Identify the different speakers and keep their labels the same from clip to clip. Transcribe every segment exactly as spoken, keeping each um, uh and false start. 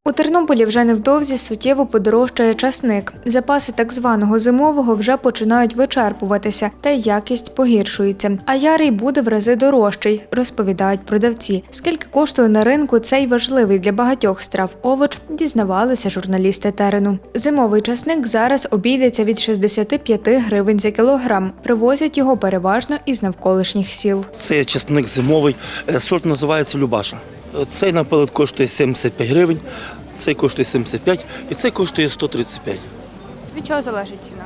Speaker 1: У Тернополі вже невдовзі суттєво подорожчає часник. Запаси так званого зимового вже починають вичерпуватися, та й якість погіршується. А ярий буде в рази дорожчий, розповідають продавці. Скільки коштує на ринку цей важливий для багатьох страв овоч, дізнавалися журналісти терену. Зимовий часник зараз обійдеться від шістдесят п'ять гривень за кілограм. Привозять його переважно із навколишніх сіл.
Speaker 2: Це часник зимовий, сорт називається Любаша. Цей, наприклад, коштує сімдесят п'ять гривень, цей коштує сімдесят п'ять і цей коштує сто тридцять п'ять.
Speaker 1: Від чого залежить ціна?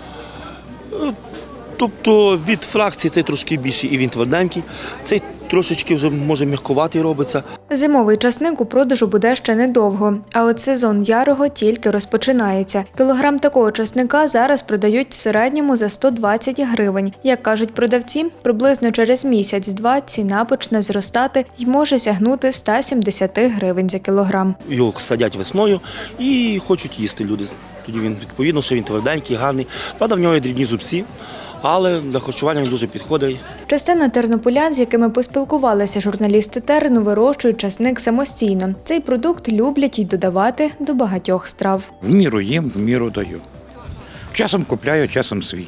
Speaker 2: Тобто від фракції цей трошки більший і він тверденький, цей трошечки вже, може, м'якуватий робиться.
Speaker 1: Зимовий часник у продажу буде ще недовго, а от сезон ярого тільки розпочинається. Кілограм такого часника зараз продають в середньому за сто двадцять гривень. Як кажуть продавці, приблизно через місяць-два ціна почне зростати і може сягнути сто сімдесят гривень за кілограм.
Speaker 2: Його садять весною і хочуть їсти люди. Тоді він, відповідно, що він тверденький, гарний. Правда, в нього є дрібні зубці, але для харчування він дуже підходить.
Speaker 1: Частина тернополян, з якими поспілкувалися журналісти терену, вирощують часник самостійно. Цей продукт люблять і додавати до багатьох страв.
Speaker 3: В міру їм, в міру даю. Часом купляю, часом свій.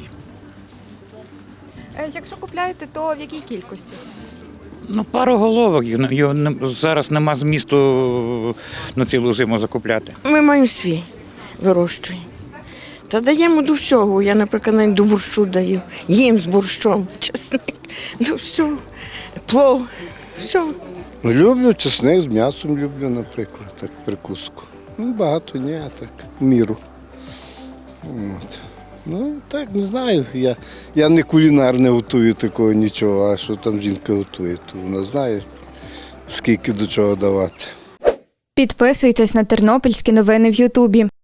Speaker 1: Якщо купляєте, то в якій кількості?
Speaker 3: Ну, пару головок, його не- зараз нема змісту на цілу зиму закупляти.
Speaker 4: Ми маємо свій, вирощуємо. Та даємо до всього. Я, наприклад, навіть до борщу даю. Їм з борщом, чесник, до всього. Плов, все.
Speaker 5: Люблю чесник з м'ясом, люблю, наприклад, так, прикуску. Ну, багато ні, а так, в міру. От. Ну, так, не знаю. Я, я не кулінар, не готую такого нічого, а що там жінка готує, то вона знає, скільки до чого давати.
Speaker 1: Підписуйтесь на тернопільські новини в Ютубі.